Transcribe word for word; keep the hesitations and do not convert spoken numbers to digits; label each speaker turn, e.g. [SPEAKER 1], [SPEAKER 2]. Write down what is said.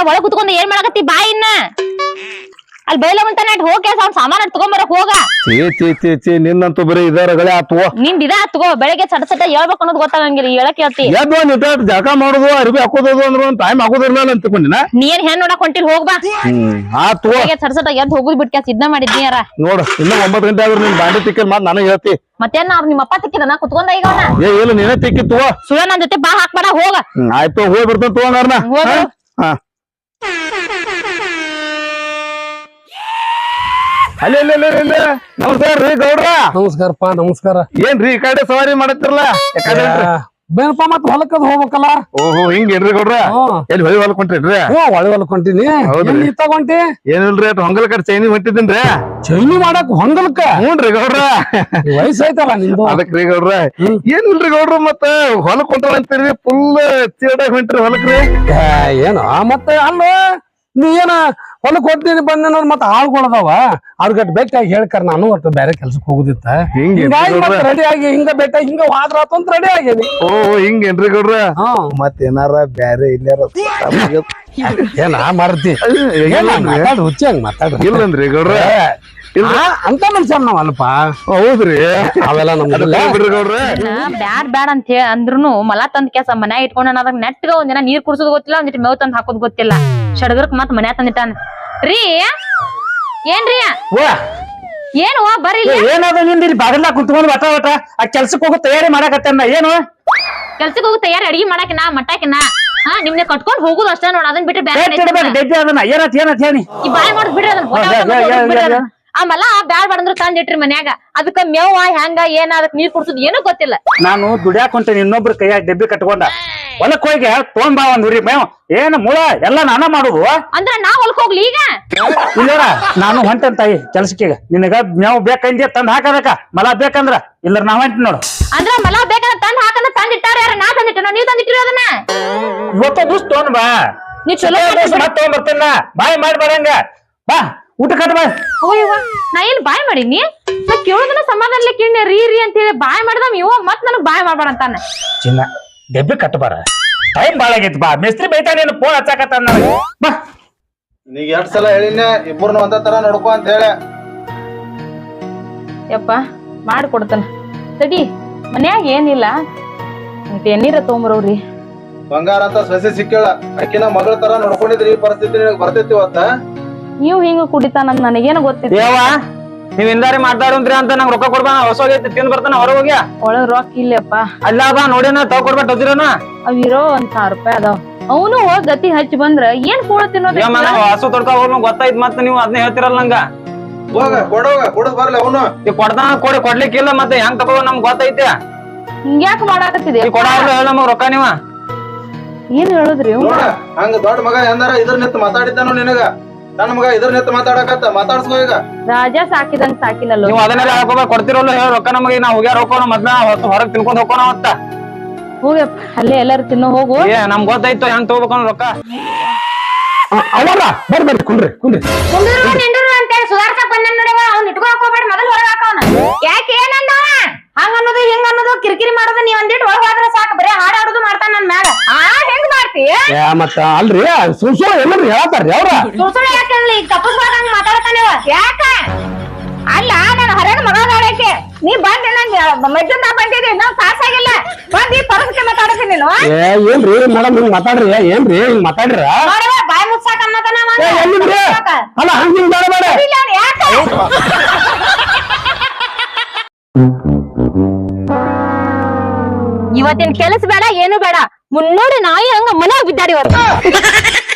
[SPEAKER 1] ಒಳಗ್ ಕುತ್ಕೊಂಡ್ ಏನ್ ಮಾಡಕತ್ತಿ ಬಾ ಇನ್ನ ಅಲ್ಲಿ ಬೈಲವಂತ ನಾಟ್ ಹೋಗಿ ಅವ್ನ ಸಾಮಾನ ತಗೊಂಬರಕ್ ಹೋಗ
[SPEAKER 2] ಚೇ ಚೇ ಚೇ ಚೇ ನಿನ್ನಂತೂ ಬರೀ ಇದಾರಗಳೇ ಆತುವ
[SPEAKER 1] ನಿಂದ ಇದ ತಗೋ ಬೆಳಗ್ಗೆ ಸಟ ಸಟ ಹೇಳ್ಬೇಕು ಅನ್ನೋದು ಗೊತ್ತಾಗಂಗಿಲ್ಲ ಹೇಳಕ್ ಹೇಳ್ತಿ
[SPEAKER 2] ಎದ್ದು ನಿಂತ ಜಳಕ ಮಾಡೋದು ಅರ್ಬಿ ಹಾಕೋದು ಅಂದ್ರೆ ಒಂದ್ ಟೈಮ್ ಹಾಕೋದಿರ್ಲಿಲ್ಲ ಅಂತ ತಿಳ್ಕೊಂಡಿನ
[SPEAKER 1] ನೀ ಏನ್ ಹೆಣ್ ನೋಡಕ್ ಹೊಂಟಿಲ್ ಹೋಗ್ಬಾ
[SPEAKER 2] ಆತು
[SPEAKER 1] ಬೆಳಗ್ಗೆ ಸಟ ಸಟ ಎದ್ದು ಹೋಗುದ್ ಬಿಟ್ಕ ಸಿದ್ಧ ಮಾಡಿದ್ನಿ ಯಾರ
[SPEAKER 2] ನೋಡು ಇನ್ನ ಒಂಬತ್ತು ಗಂಟೆ ಆದ್ರೆ ನಿನ್ ಬಾಂಡಿ ತಿಕ್ಕಲ್ ಮಾತ್ ನನಗೆ ಹೇಳ್ತಿ
[SPEAKER 1] ಮತ್ತೇನ್ ಅವ್ರ ನಿಮ್ಮ ಅಪ್ಪ ತಿಕ್ಕಿದನ ಕುತ್ಕೊಂಡ ಈಗ ಅವನ
[SPEAKER 2] ಏ ಇಲ್ಲ ನೀನೇ ತಿಕ್ಕಿತ್ತು
[SPEAKER 1] ಸುಳ ನನ್ ಜೊತೆ ಬಾ ಹಾಕ್ಬೇಡ ಹೋಗ
[SPEAKER 2] ಆಯ್ತು ಹೋಗಿ ಬರ್ತಾನ ತಗೊಂಡಾರ್ನ ಹಾ ಅಲ್ಲಿ ನಮಸ್ಕಾರ ರೀ ಗೌಡ್ರ
[SPEAKER 3] ನಮಸ್ಕಾರಪ್ಪ ನಮಸ್ಕಾರ
[SPEAKER 2] ಏನ್ರಿ ಈ ಕಡೆ ಸವಾರಿ ಮಾಡತ್ತಿರಲ್ಲ
[SPEAKER 3] ಬೇನಪ್ಪ ಮತ್ ಹೊಲಕ್ಕದ್ ಹೋಗ್ಬೇಕಲ್ಲ
[SPEAKER 2] ಓಹೋ ಹಿಂಗೇನ್ರಿ ಗೌಡ್ರ ಎಲ್ಲಿ ಹೊಳಿ ಹೊಲಕ್ ಹೊಂಟ್ರಿ
[SPEAKER 3] ಒಳ್ಳೆ ಹೊಲಕ್ ಹೊಂಟಿನಿ ತಗೊಂಟಿ
[SPEAKER 2] ಏನಿಲ್ರಿ ಅಟ್ ಹೊಂಗಲ್ ಕಡೆ ಚೈನಿ ಹೊಂಟಿದ್ದೀನ್ರಿ
[SPEAKER 3] ಚೈನಿ ಮಾಡಕ್ ಹೊಂಗಲ್ಕ
[SPEAKER 2] ಹ್ಞೂನ್ರಿ ಗೌಡ್ರ
[SPEAKER 3] ವಯಸ್ಸಾಯ್ತಲ್ಲ ನಿಂದು
[SPEAKER 2] ಅದಕ್ರಿ ಗೌಡ್ರ ಏನಿಲ್ರಿ ಗೌಡ್ರ ಮತ್ತ ಹೊಲಕ್ ಹೊಂಟಾಳ ಅಂತೀರಿ ಫುಲ್ ಚೀಡಾಗ ಹೊಂಟ್ರಿ ಹೊಲಕ್ರಿ
[SPEAKER 3] ಏನು ಮತ್ತೆ ಅಲ್ಲ ನೀ ಏನ ಹೊಲಕ್ ಹೊಂಟಿನಿ ಬಂದ ಮತ್ ಆಳ್ಗೊಳದವ ಅವ್ರಗಟ್ ಬೇಕಾಗಿ ಹೇಳ್ಕರ ನಾನು ಒಟ್ಟು ಬೇರೆ ಕೆಲ್ಸಕ್ ಹೋಗುದಿತ್ತ ರೆಡಿ ಆಗಿ ಹಿಂಗ ಬೆಟ್ಟ ಹಿಂಗ ವಾದ್ರ ಅಂತ ರೆಡಿ ಆಗೇನಿ
[SPEAKER 2] ಓ ಹಿಂಗೇನ್ರಿ ಗೌಡ್ರ ಮತ್ತೇನಾರ ಬ್ಯಾರೆ ಇಲ್ಲಾರ
[SPEAKER 3] ಏನ ಮಾರತಿ ಮಾತಾಡ ಹುಚ್ಚಿ ಹಂಗ ಮಾತಾಡ
[SPEAKER 2] ಇಲ್ಲಂದ್ರಿ ಗೌಡ್ರ
[SPEAKER 3] ಅಂತ ಮನುಷ್ಯ ನಾವ್ ಅಲ್ಪ
[SPEAKER 2] ಹೌದ್ರಿ
[SPEAKER 3] ಅವೆಲ್ಲ ನಮ್ಗಿಲ್ಲ
[SPEAKER 2] ಗೌಡ್ರ
[SPEAKER 1] ಬ್ಯಾಡ್ ಬ್ಯಾಡ್ ಅಂತ ಹೇಳಿ ಅಂದ್ರುನು ಮಲ ತಂದ್ ಕೆಸ ಮನ್ಯಾಗ ಇಟ್ಕೊಂಡ ಅದಾಗ ನೆಟ್ಗ ಒಂದಿನ ನೀರ್ ಕುಡ್ಸೋದ್ ಗೊತ್ತಿಲ್ಲ ಒಂದಿಟ್ಟು ಮೇವ್ ತಂದ್ ಹಾಕೋದ್ ಗೊತ್ತಿಲ್ಲ ಶಡಗರ್ಕ್ ಮತ್ ಮನ್ಯಾಗ ತಂದಿಟ್ಟಾನ ರೀ ಏನ್ರಿ ಏನು ಬರ್ರಿ
[SPEAKER 3] ಏನಾದ ನಿಂದ ಇಲ್ಲಿ ಬಾಗಲ್ಲ ಕುತ್ಕೊಂಡ್ ಬಟ ಬಟ ಆ ಕೆಲ್ಸಕ್ ಹೋಗೋ ತಯಾರಿ ಮಾಡಾಕತ್ತೇನ ಏನು
[SPEAKER 1] ಕೆಲ್ಸಕ್ ಹೋಗೋ ತಯಾರಿ ಅಡಿಗೆ ಮಾಡಾಕಿನ ಮಟ್ಟಾಕಿನ ಹಾ ನಿಮ್ನೆ ಕಟ್ಕೊಂಡ್ ಹೋಗುದು ಅಷ್ಟೇ ನೋಡ ಅದನ್ ಬಿಟ್ರೆ
[SPEAKER 3] ಡೆಬ್ಬಿ ಅದನ್ನ ಏನತ್ ಏನತ್ ಹೇಳಿ
[SPEAKER 1] ಈ ಬಾಯ್ ಮಾಡೋದ್ ಬಿಡ್ರಿ ಅದನ್ನ ಆಮೇಲೆ ಬ್ಯಾಡ್ ಬಾಡಂದ್ರ ತಂದಿಟ್ರಿ ಮನ್ಯಾಗ ಅದಕ್ಕ ಮೇವ ಹೆಂಗ ಏನ ಅದಕ್ ನೀರ್ ಕುಡ್ಸುದ್ ಏನೂ ಗೊತ್ತಿಲ್ಲ
[SPEAKER 3] ನಾನು ದುಡ್ಯಾಕ್ ಹೊಂಟೇನಿ ಇನ್ನೊಬ್ರ ಕೈಯಾಗ ಡೆಬ್ಬಿ ಕಟ್ಕೊಂಡ ಹೊಲಕ್ ಹೋಗಿ ತೊಗೊಂಡ್ ಬಾ ಒಂದ್ ಹುರಿ ಮೇವ್ ಏನ್ ಮುಳ ಎಲ್ಲಾ ನಾನ ಮಾಡುದು
[SPEAKER 1] ಅಂದ್ರ ನಾ ಹೊಲಕ್ ಹೋಗ್ಲಿ ಈಗ
[SPEAKER 3] ಇಲ್ಲ ನಾನು ಹೊಂಟೇನ್ ತಾಯಿ ಕೆಲ್ಸಕ್ಕೆ ನಿನಗ ಮೇವ್ ಬೇಕಂದ್ಯ ತಂದ್ ಹಾಕದಕ್ಕ ಮಲ ಬೇಕಂದ್ರ ಇಲ್ಲ ನಾ ಹೊಂಟ ನೋಡು
[SPEAKER 1] ಅಂದ್ರ ಮಲ ಬೇಕಂದ್ರ ತಂದ್ ಹಾಕಂದ್ರ ತಂದಿಟ್ಟಾರ ಯಾರ ನಾ ತಂದಿಟ್ಟನೋ ನೀವ್ ತಂದಿಟ್ಟಿರೋ ಅದನ್ನ
[SPEAKER 3] ಇವತ್ತ ದಿವ್ಸ ತೊಗೊಂಡ್ ಬಾ
[SPEAKER 1] ನೀ ಚಲೋ
[SPEAKER 3] ಮತ್ ತಗೊಂಡ್ ಬರ್ತೇನ ಬಾಯ್ ಮಾಡಿ ಬರಂಗ ಬಾ ಊಟ ಕಟ್ ಬಾ
[SPEAKER 1] ನಾ ಏನ್ ಬಾಯ್ ಮಾಡೀನಿ ನಾ ಕೇಳೋದನ್ನ ಸಮಾಧಾನ ಕೇಳಿ ರೀ ರೀ ಅಂತ ಹೇಳಿ ಬಾಯ್ ಮಾಡ್ದಮ್ ಇವ ಮತ್ ನನಗ್ ಬಾಯ್ ಮಾಡ್ಬೇಡ ಅಂತಾನ
[SPEAKER 3] ಚಿನ್ನ ಡೆಬ್ಬಿ ಕಟ್ ಬಾರ ಟೈಮ್ ಬಾಳ ಆಗೈತಿ ಬಾ ಮಿಸ್ತ್ರಿ ಬೈತಾನ ನೀನು ಫೋನ್ ಹಚ್ಚಾಕತ್ತ ಬಾ
[SPEAKER 2] ನೀಗ ಎರಡ್ ಸಲ ಹೇಳಿನ ಇಬ್ಬರನ್ನ ಒಂದ ತರ ನೋಡ್ಕೊ ಅಂತ ಹೇಳ
[SPEAKER 1] ಯಪ್ಪ ಮಾಡ್ಕೊಡ್ತಾನ ತಡಿ ಮನ್ಯಾಗ ಏನಿಲ್ಲ ಎಣ್ಣೀರ ತಗೊಂಬರೋರಿ
[SPEAKER 2] ಬಂಗಾರ ಅಂತ ಸೊಸೆ ಸಿಕ್ಕೇಳ ಅಕ್ಕಿನ ಮಗಳ ತರ ನೋಡ್ಕೊಂಡಿದ್ರಿ ಈ ಪರಿಸ್ಥಿತಿ ನಿನಗ್ ಬರ್ತೈತಿ ಇವತ್ತ
[SPEAKER 1] ನೀವು ಹಿಂಗ ಕುಡಿತಾನ ನನಗೇನು ಗೊತ್ತಿಲ್ಲ
[SPEAKER 3] ದೇವ ನೀವ್ ಇಂದಾರಿ ಮಾತಾಡೋಂತ್ರಿ ಅಂತ ನಂಗ್ ರೊಕ್ಕ ಕೊಡ್ಬಾ ಹೊಸ ಹೋಗೈತಿ ತಿಂದ್ ಬರ್ತಾನ ಹೊರ ಹೋಗ್ಯ
[SPEAKER 1] ಒಳಗ್ ರೊಕ್ಕ ಇಲ್ಲಪ್ಪ
[SPEAKER 3] ಅಲ್ಲ ಬಾ ನೋಡಿನ ತಗೊ ಕೊಡ್ಬೇಕ ಹತ್ತಿರನ
[SPEAKER 1] ಅವಿರೋ ಒಂದ್ ಸಾವಿರ ರೂಪಾಯಿ ಅದಾವ ಅವನು ಹೋಗ್ ಗತಿ ಹಚ್ಚಿ ಬಂದ್ರ ಏನ್ ಕೂಡ ತಿನ್ನೋದು
[SPEAKER 3] ಹಸು ತೊಡ್ಕ ಹೋಗ್ ಗೊತ್ತಾಯ್ತು ಮತ್ತ ನೀವು ಅದನ್ನ ಹೇಳ್ತಿರಲ್ಲ ನಂಗ
[SPEAKER 2] ಹೋಗ ಕೊಡೋಗ ಕೊಡದ್ ಬರ್ಲಿ ಅವನು
[SPEAKER 3] ಈ ಕೊಡ್ತಾನ ಕೊಡಿ ಕೊಡ್ಲಿಕ್ಕಿಲ್ಲ ಮತ್ತೆ ಹೆಂಗ್ ತಗೋ ನಮ್ಗ್ ಗೊತ್ತೈತಿ
[SPEAKER 1] ಹಿಂಗ್ಯಾಕ ಮಾಡಾಕತ್ತಿದೆ
[SPEAKER 3] ಕೊಡ ಹೇಳ ನಮಗ್ ರೊಕ್ಕ ನೀವ
[SPEAKER 1] ಏನ್ ಹೇಳುದ್ರಿ
[SPEAKER 2] ಹಂಗ ದೊಡ್ಡ ಮಗ ಎಂದಾರ ಇದ್ರ ನಿಂತ ಮಾತಾಡಿದ್ದಾನು ನಿನಗ ನನ್ನ ಮಗ ಇದ್ರ ನಿಂತ ಮಾತಾಡಕತ್ತ ಮಾತಾಡ್ಸ್ಕೋ ಈಗ
[SPEAKER 1] ರಾಜ ಸಾಕಿದಂಗ ಸಾಕಿನಲ್ಲ
[SPEAKER 3] ನೀವು ಅದನ್ನೆಲ್ಲ ಹಾಕೋಬೇಕು ಕೊಡ್ತಿರಲ್ಲ ಹೇಳ ರೊಕ್ಕ ನಮಗೆ ನಾವು ಹೋಗ್ಯಾರ ಹೋಗೋಣ ಮೊದ್ಲ ಹೊರಗ್ ತಿನ್ಕೊಂಡ್ ಹೋಗೋಣ ಮತ್ತ
[SPEAKER 1] ಹೋಗಪ್ಪ ಅಲ್ಲೇ ಎಲ್ಲಾರು ತಿನ್ನೋ ಹೋಗು
[SPEAKER 3] ಏ ನಮ್ಗ್ ಗೊತ್ತಾಯ್ತು ಹೆಂಗ್ ತಗೋಬೇಕು ರೊಕ್ಕ
[SPEAKER 2] ಅವಲ್ಲ ಬರ್ಬೇಡಿ ಕುಂಡ್ರಿ ಕುಂಡ್ರಿ
[SPEAKER 1] ಅಂತೇಳಿ ಸುಧಾರ್ಸಕ್ ಬಂದ ನೋಡವ ಅವ್ನ ಇಟ್ಕೊಳಕ್ ಹೋಗ್ಬೇಡ ಮೊದಲು ಹೊರಗೆ ಹಾಕವನ ಯಾಕೆ ಏನಂದವ ಹಂಗ ಅನ್ನೋದು ಹಿಂಗ ಅನ್ನೋದು ಕಿರಿಕಿರಿ ಮಾಡೋದು ನೀವ್ ಒಂದಿಟ್ಟು ಒಳಗ್ ಹೋದ್ರೆ ಸಾಕು ಬರೀ ಹಾಡಾಡೋದು ಮಾಡ್ತಾನ ನನ್ ಮ್ಯಾಲ ಆ ಹೆಂಗ್ ಮಾಡ್ತಿ
[SPEAKER 3] ಮತ್ತ ಅಲ್ರಿ ಸುಳ್ಳು ಸುಳ್ಳು ಎಲ್ಲರೂ ಹೇಳ್ತಾರ್ರಿ ಅವ್ರ
[SPEAKER 1] ಸುಳ್ಳು ಸುಳ್ಳು ಯಾಕೆ ಈಗ ತಪ್ಪಸ್ಬಾರ್ದಂಗ ಮಾತಾಡ್ತಾನೇವ ಯಾಕ ಅಲ್ಲ ನಾನು ಹೊರಗೆ ಮಗ ನೋಡಕ್ಕೆ ನೀ ಬಂದ್ ನಂಗೆ ಮಜ್ಜು ನಾ ಬಂದಿದ್ದೆ ನಾವ್ ಸಾಸಾಗಿಲ್ಲ ಬಂದ್ ಈ ಪರಸಕ್ಕೆ ಮಾತಾಡ್ತೀನಿ ನೀನು
[SPEAKER 3] ಏನ್ರಿ ಮೇಡಮ್ ಹಿಂಗ್ ಮಾತಾಡ್ರಿ ಏನ್ರಿ ಹಿಂಗ್ ಮಾತಾಡ್ರ
[SPEAKER 1] ಬಾಯ್ ಮುಚ್ಚಾಕ ಅನ್ನತಾನ
[SPEAKER 3] ಅಲ್ಲ ಹಂಗ ಹಿಂಗ್ ಬೇಡ
[SPEAKER 1] ಯಾಕ ಇವತ್ತಿನ ಕೆಲಸ ಬೇಡ ಏನು ಬೇಡ ಮುನ್ನೋಡಿ ನಾಯಿ ಹಂಗ ಮನ್ಯಾಗ ಬಿದ್ದಾಡಿ ಇವತ್ತು